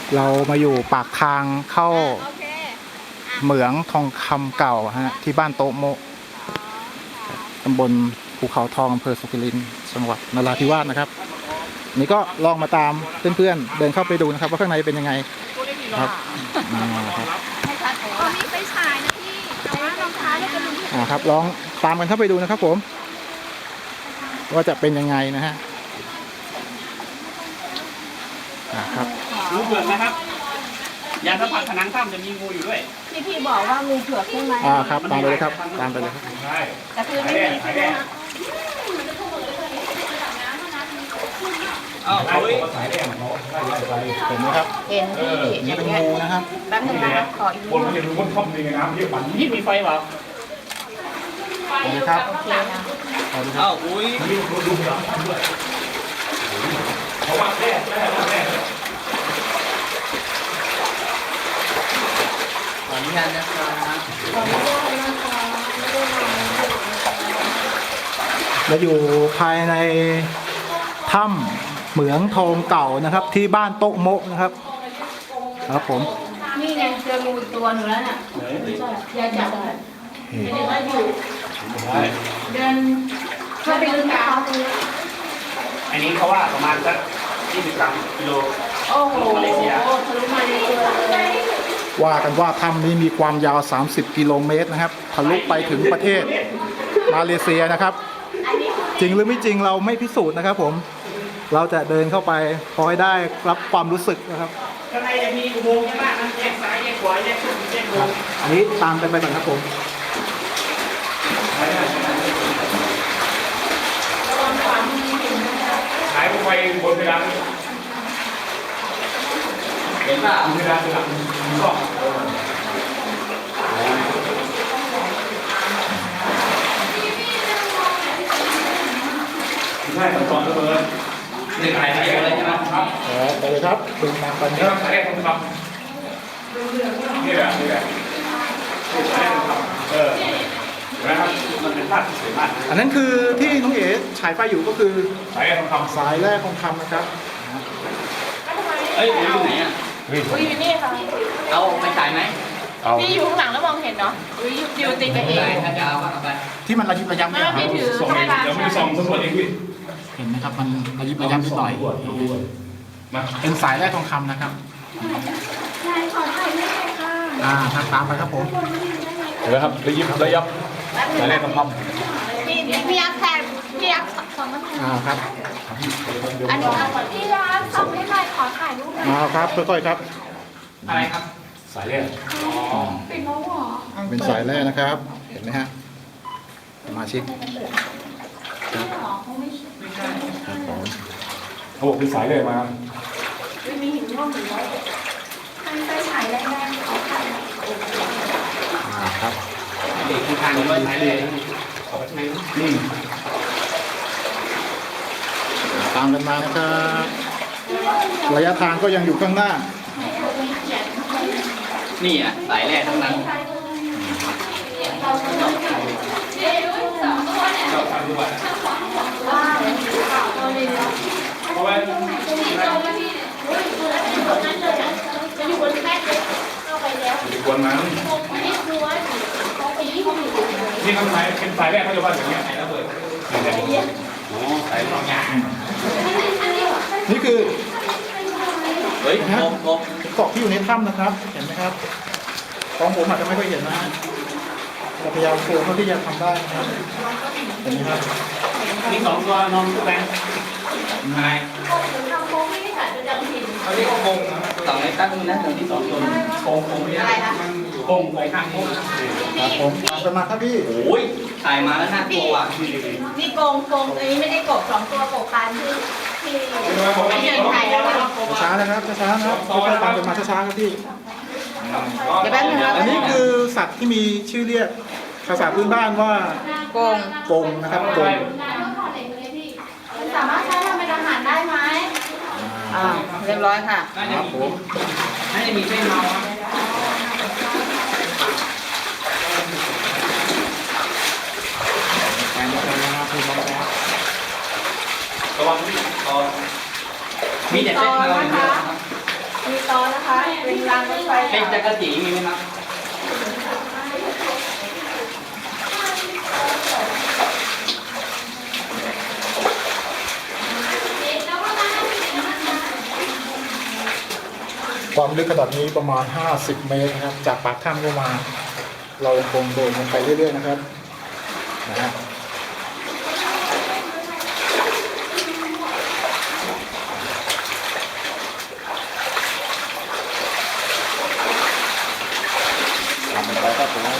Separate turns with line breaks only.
เรามาอยู่ปากทางเข้าเหมืองทองคำเก่าฮะที่บ้านโตโมะตำบลภูเขาทองอำเภอสุขิรินทร์จังหวัดนราธิวาสนะครับนี่ก็ลองมาตามเพื่อนๆเดินเข้าไปดูนะครับว่าข้างในเป็นยังไงครับครับ
มีไฟฉายนะพี่แต่ว่ารองเท้าเราจะดูที่
ครับลองตามกันเข้าไปดูนะครับผมว่าจะเป็นยังไงนะฮะครับ
งูเผือกนะครับยาสัมผัสผนังถ้ำจะมีงูอยู่ด้วย
พี่บอกว่างูเผือกใช่ไหม
ครับตามไปเลยครับตามไปเลยครับ
ใช่
แต่คือไม่มีใช่ไหมคะ
เอาเอาไว้
เห็นไหมครับ
เห็นพี่
นี่เป็นงูนะครับ
แป๊บนึงนะครับขออีก
บนมันจะรู้ว่าท่อมในน้ำเยอะกว่านี้
นี่มีไฟเปล่า
เห็นไหมครับ
โอเคนะ
เอาดูครั
เอ้า
บ
อุ้ย
เพราะว่าแร่
ขออนุญาตนะครับ
เราอยู่ภายในถ้ำเหมืองทองเก่านะครับ ที่บ้านโต๊ะโมะนะครับครับผม
นี่ไงเจองูอีกตัวหนูแล้วน่ะอย่าจับเดินเข้าไปลึกเขา
อันนี้เขาว่าประมาณสัก23 กิโล
โอ้โหทะลุมาเลยเลย
ว่ากันว่าถ้ำนี้มีความยาว30 กิโลเมตรนะครับทะลุไปถึงประเทศมาเลเซียนะครับ จริงหรือไม่จริงเราไม่พิสูจน์นะครับผมเราจะเดินเข้าไปพอให้ได้รับความรู้สึกนะครับ
ข้างในจะมีอุโมงค์เยอะมากนะแยกซ้ายแยกขวาแยกขึ้นแยกลง
อันนี้ตามกันไปก่อนครับผม
หายไปบนเพดาน
เห็นป่ะ
เพดานหลังก็ใช่ตอนเสมอ
หนึ่งหายไปเยอะเลยใช่ไหมครับ
ไปเลยครับดูตามกัน
นี่
ค
ต้
รั
อบ งใช้ทองคำนี่แหละใช้ทองคำนะครับ
มันเป็นภาพที่สวยมาก
อันนั้นคือที่น้องเอ๋ฉายไฟอยู่ก็คือ
ใช้ทองคำ
สายแรกทองคำนะครับ
เอ้ยอยู่ไหนอ่ะ
อุ้ยอยู่นี่ค่ะ
เอาไปฉายไหม
เอา
พี่อยู่ข้างหลังแล้วมองเห็นเนาะอุ้ยอยู่ติดกันเอง
ถ้าจะเอาก็เอาไป
ที่มันระยิบระยับ
ไม่
เนี่ย
ว่าพี่ถือ
ส่งเองเดี๋ยวไม่ส่งสำรวจเองพี่
เห็นไหมครับมันระยิบระยับนิดหน่อย
มา
เป็นสายแรกทองคำนะครับ
นายขอถ่ายรูปหน่อยค่ะ
ครับตามไปครับผม
เห็นไหมครับระยับใช้แร่ทองคำ
พี่ยักษ์แทนพี่ยักษ์สองมัน
ครับ
อันนี้พี่ยักษ์ส่งให้หน่อยขอถ่ายรูปหน่อย
ครับค่อยๆครับ
อะไรครับ
สายแร่
เป็นน้องหรอ
เป็นสายแรกนะครับ เห็นไหมฮะสมาชิกครับผม
เขาบอกเป็นสายแร่มา
มีหินร่วงอยู่แล้วทางไปฉายแรงๆเขาถ่าย
ครับ
เด็กที่ทานนี้ว่าฉายเลย
นิ่ง
ตามกันมานะครับ ระยะทางก็ยังอยู่ข้างหน้า
นี่อ่ะสายแรกทั้งนั้น
เราทำด้วยเพราะว่า
จะอยู่บนแม่เลยเข้าไปแล้ว
ควรมัน
นี่คือว่าเขาไปยี่ห้ออยู่
นี่เขาใช้เป็นสายแรกเขาจะว่าอย่างเงี้ย
ระเบิด
เนี่ย
อ๋อสายสองอย่าง
นี่คือ
เฮ้ยงบ
เกาะที่อยู่ในถ้ำนะครับ เห็นไหมครับของผมอาจจะไม่ค่อยเห็นนะฮะเราพยายามโฟกัสเท่าที่จะทำได้นะครับ เห็นไหมครับ
มีสองตัวนอนแบงอะไร
ทำโค้งไม่ได้ถ่ายประจำถิ่น
เขาเรียกว่าโกงสองในตั้งนะตัวที่สองตัวโกงไม่ได้มันโกงไปข้างโกง
ครับผมตามกันมาครับพี่
โอ้ยถ่ายมาแล้วน่ากลัวว่ะ
นี่โกงอันนี้ไม่ได้กบสองตัวกบกันที่ไม่เห็นถ่ายแล้ว
ช้าๆนะครับช้าๆนะครับค่อยๆตามกันมาช้าๆครับพี่
เดี๋ยวแป๊บนึงนะ
อันนี้คือสัตว์ที่มีชื่อเรียกภาษาพื้นบ้านว่า
โกง
กงนะครับกง
สามารถใช้ทำเป็นอาหารได้ไหมเรียบร้อยค่ะ
ครับผม
น่าจะมีเส้นเมาครับ
ไปนะครับคุณน้องครับ
ระวังตอนมีแต่เส้นเมาอย่างเดียวครับ
มีตอนะคะเป็นรางรถไฟ
เป็นจักรจีมีไหมครับ
ความลึกขนาดนี้ประมาณ 50 เมตรนะครับ จากปากถ้ำลงมา เรายังคงเดินลงไปเรื่อยๆนะครับนะฮะต่อไปก็ถึง